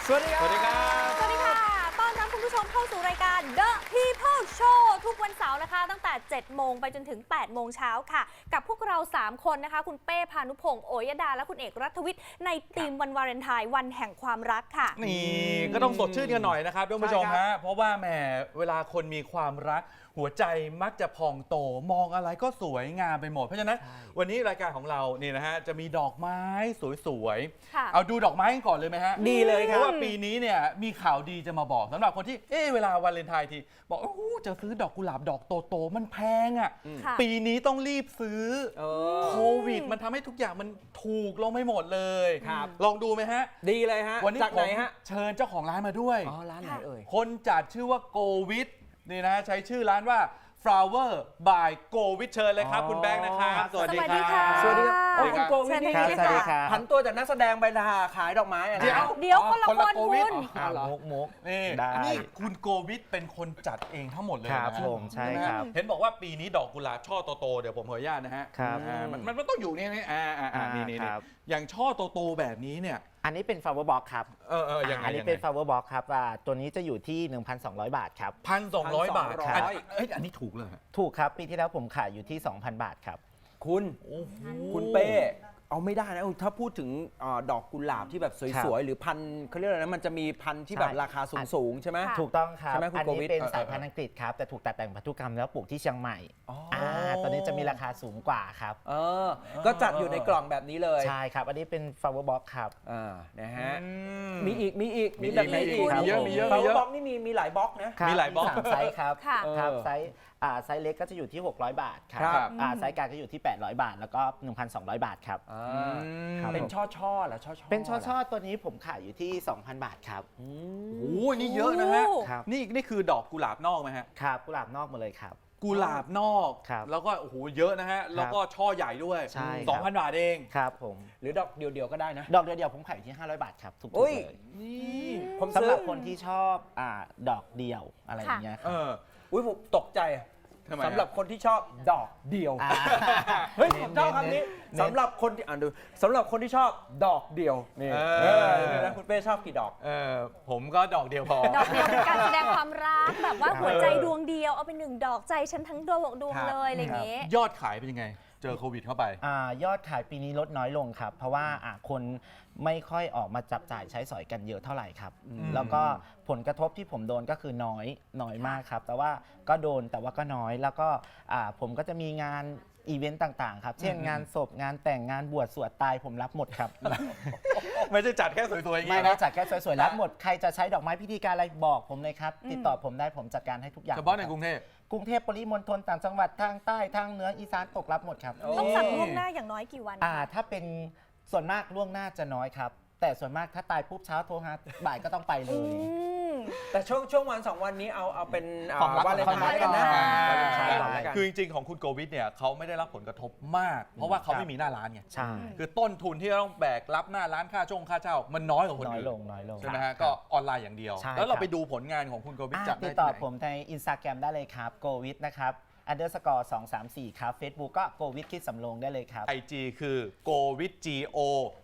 สวัสดีครับสวัสดีครับสวัสดีค่ะ ต้อนรับคุณผู้ชมเข้าสู่รายการ The People Show ทุกวันเสาร์นะคะ ตั้งแต่ 7 โมงไปจนถึง 8 โมงเช้าค่ะ กับพวกเรา 3 คนนะคะ คุณเป้ พานุพงศ์ โอยดา และคุณเอกรัฐวิทย์ ในธีมวันวาเลนไทน์วันแห่งความรักค่ะนี่ก็ต้องสดชื่นกันหน่อยนะครับท่านผู้ชมฮะ เพราะว่าแหมเวลาคนมีความรักหัวใจมักจะพองโตมองอะไรก็สวยงามไปหมด เพราะฉะนั้นวันนี้รายการของเรานี่นะฮะจะมีดอกไม้สวยๆค่ะเอาดูดอกไม้กันก่อนเลยไหมฮะดีเลยคเพรับราะว่าปีนี้เนี่ยมีข่าวดีจะมาบอกสำหรับคนที่เวลาวันเลนไทน์ทีบอกโอ้โหจะซื้อดอกกุหลาบดอกโตๆมันแพงอ่ะค่ะปีนี้ต้องรีบซื้อ โควิดมันทำให้ทุกอย่างมันถูกลงไม่หมดเลยครับลองดูไหมฮะดีเลยฮะวันนี้จากผไหนมฮะเชิญเจ้าของร้านมาด้วยอ๋อ ร้านไหนเอ่ยคนจัดชื่อว่าโกวิทนี่นะใช้ชื่อร้านว่า Flower by โกวิทเชิญเลยครับอ๋อคุณแบงค์นะครับสวัสดีครัสวัสดีค่ะบสวัสดีครับสวัสดีครับโอ้คุณโกวิทนี่เชิญเลยค่ะผันตัวจากนักแสดงไปขายดอกไม้อะนะเดี๋ยวเดี๋ยวคนละคนคละนโควิดคุณอ๋อเหรอมุกนี่ได้นี่คุณโกวิทเป็นคนจัดเองทั้งหมดเลยครับนะผมใช่ไหมครับเห็นบอกว่าปีนี้ดอกกุหลาบช่อโตๆเดี๋ยวผมขออนุญาตนะฮะครับมันต้องอยู่นี่นี่ครับอย่างช่อโตๆแบบนี้เนี่ยอันนี้เป็น flower box ครับยังไงอันนี้เป็น flower box ครับตัวนี้จะอยู่ที่ 1,200 บาทครับ 1,200 บาทครับอันนี้ถูกเลยถูกครับ ปีที่แล้วผมขายอยู่ที่ 2,000 บาทครับคุณโอ้โหคุณเป้ เอาไม่ได้นะถ้าพูดถึงดอกกุหลาบที่แบบสวยๆ หรือพันธุ์เขาเรียกอะไรนะ มันจะมีพันธุ์ที่แบบใช่ราคาสูงๆ ใช่ไหมค่ะถูกต้องครับใช่ไหมคุณอัโกวินี้ทเป็นสายพันธุ์อังกฤษครับ แต่ถูกตัดแต่งพันธุกรรมแล้วปลูกที่เชียงใหม่อ๋ออ่ตัวนี้จะมีราคาสูงกว่าครับเออ ก็จัดอยู่ในกล่องแบบนี้เลยใช่ครับ อันนี้เป็น flower box ครับนะฮะอืมีอีกมีอีกแบบไหนอีกมีเยอะมีเยอะ Flower Box นี่มีหลายบล็อกนะครับมีหลายบล็อก 3ไซส์ครับค่ะครับเออไซส์เล็กก็จะอยู่ที่ 600 บาทครับครับไซส์กลางก็อยู่ที่ 800 บาท แล้วก็ 1,200 บาทครับ ครับเป็นช่อๆเหรอช่อๆเป็นช่อๆตัวนี้ผมขายอยู่ที่ 2,000 บาทครับโอ้โหนี่เยอะนะฮะโอ้ครับนี่คือดอกกุหลาบนอกไหมฮะครับกุหลาบนอกหมาเลยครับกุหลาบนอกครับแล้วก็โอ้โหเยอะนะฮะ แล้วก็ช่อใหญ่ด้วยใช่ครับ 2,000 บาทเองครับผมหรือดอกเดียวๆก็ได้นะดอกเดียวๆผมขายอยู่ที่ 500 บาทครับ ทุกโอ้ๆยเลยนี่ผมสำซื้อหรับคนที่ชอบดอกเดียวอะไรอย่างเงี้ยคเอรับออุ้ยผมตกใจทำไมฮะสำหรับคนที่ชอบดอกเดียวอ่าเฮ้ยผมชอบคำนี้สำหรับคนที่ดูสำหรับคนที่ชอบดอกเดียวนี่นี่นะคุณเป้ชอบกี่ดอกผมก็ดอกเดียวพอดอกเดียวเป็นการแสดงความรักแบบว่าหัวใจดวงเดียวเอาเป็นหนึ่งดอกใจฉันทั้งดวงครับเลยอะไรอย่างเงี้ยยอดขายเป็นยังไง เจอโควิดเข้าไปยอดขายปีนี้ลดน้อยลงครับ เพราะว่าคนไม่ค่อยออกมาจับจ่ายใช้สอยกันเยอะเท่าไหร่ครับ แล้วก็ผลกระทบที่ผมโดนก็คือน้อยมากครับ แต่ว่าก็โดนแต่ว่าก็น้อย แล้วก็ผมก็จะมีงานอีเวนต์ต่างๆครับ เช่นงานศพงานแต่งงานบวชสวดตายผมรับหมดครับไม่ใช่จัดแค่สวยๆอย่างไม่นี้ได้นะจัดแค่สวยๆรับหมดใครจะใช้ดอกไม้พิธีการอะไรบอกผมเลยครับ ติดต่อผมได้ผมจัดการให้ทุกอย่างเฉพาะในกรุงเทพกรุงเทพปริมณฑลต่างจังหวัดทางใต้ทางเหนืออีสานตกรับหมดครับต้องสั่งล่วงหน้าอย่างน้อยกี่วันถ้าเป็นส่วนมากล่วงหน้าจะน้อยครับ แต่ส่วนมากถ้าตายปุ๊บเช้าโทรหาบ่ายก็ต้องไปเลอืยมแต่ช่วงวัน2 วันนี้เอาเป็นของรักวาเลนไทน์กันนะของรักวาเลนไทน์ก่อนแล้วกันคือจริงๆของคุณโกวิทเนี่ยเขาไม่ได้รับผลกระทบมาก เพราะว่าเขาไม่มีหน้าร้านไงใช่คือต้นทุนที่ต้องแบกรับหน้าร้านค่าเช่า มันน้อยกว่าคนน้อยอื่นลงน้อยลงใช่ไหมฮะก็ออนไลน์อย่างเดียวใช่แล้วเราครับไปดูผลงานของคุณโกวิทจัดติได้ดที่ต่อไหนผมใน Instagram ได้เลยครับ go with นะครับ underscore 234 ครับ Facebook ก็ go with คิดสำโรงได้เลยครับ IG คือ go with go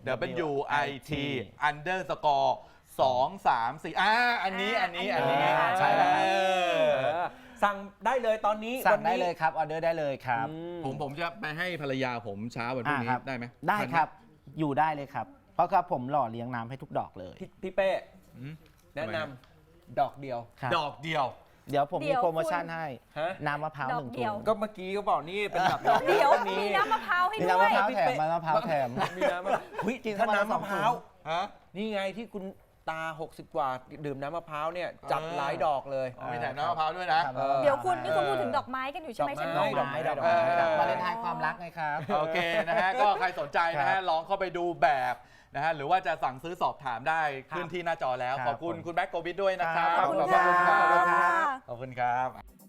w i t underscore 234อันนี้ใช่แล้วครับสั่งได้เลยตอนนี้สั่งวันได้นี้เลยครับ ออเดอร์ได้เลยครับผมจะไปให้ภรรยาผมเช้าวันพรุ่งนี้ครับได้ไหมได้ครับ อยู่ได้เลยครับ เพราะครับผมหล่อเลี้ยงน้ำให้ทุกดอกเลยพี่เป้อืมแนะนำดอกเดียวครับดอกเดียวเดี๋ยวผมเดี๋มียวโปรโมชั่นให้ฮะน้ำมะพร้าวดอกหนึ่งเดีถุยวงก็เมื่อกี้ก็บอกนี่เป็นแบบดอกเดี๋ยวนี้มีน้ำมะพร้าวให้มีด้น้ำวมะยพร้าวแถมมะพร้าวแถมมีน้ำมะพร้าวเฮ้ยกินถ้าเข้ามาน้ำมะพร้าวฮะนี่ไงที่คุณตา 60 กว่าดื่มน้ำมะพร้าวเนี่ยจัดหลายดอกเลยมีแถมน้ำมะพร้าวด้วยนะครับเดี๋ยวคุณนี่คุณพูดถึงดอกไม้กันอยู่ใช่ไหมดอกไม้ฉันดอกรู้ไม้ดดออก กไม้ไม้ดอกไม้วาเลนไทน์ความรักไงครับโอเคนะฮะ ก็ใครสนใจนะครัฮะบลองเข้าไปดูแบบนะฮะ หรือว่าจะสั่งซื้อสอบถามได้ขึ้นที่หน้าจอแล้วครับขอบคุณผมคุณแบ็คโกวิทด้วยนะครับครับขอบคุณขอบคุณค่ะครับขอบคุณครับ